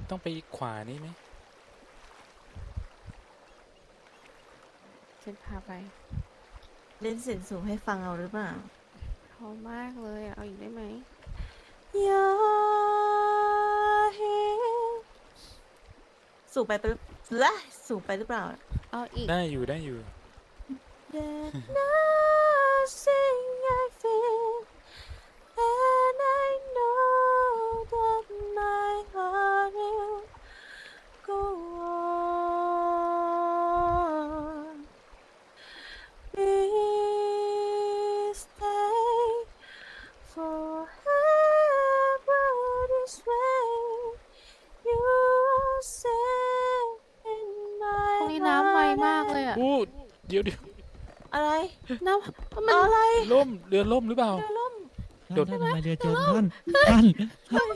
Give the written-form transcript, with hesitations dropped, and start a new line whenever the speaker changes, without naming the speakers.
ต้องไปขวานี่ไหม
ฉันพาไป
เล่นเสียงสูงให้ฟังเอาหรือเปล่า
พอมากเลยอะเอาอีกได้ไหม
อย่าเห็นสูงไปปะละสูงไปหรือเปล่า
เอาอีก
ได้อยู่ได้อยู่
That nothing I feel and I know that my heart will go on. Please stay forever this way. You are safe in
ตรง
my
นี้น้ำไวมากเลย
heart.
อะ
อู้เดี๋ยว
อะไร
น้ำมัน
อะไร
ล่มเรือล่มหรือเปล่า
เรือล่ม
โดด
ท่านทำไมเรือจมท่าน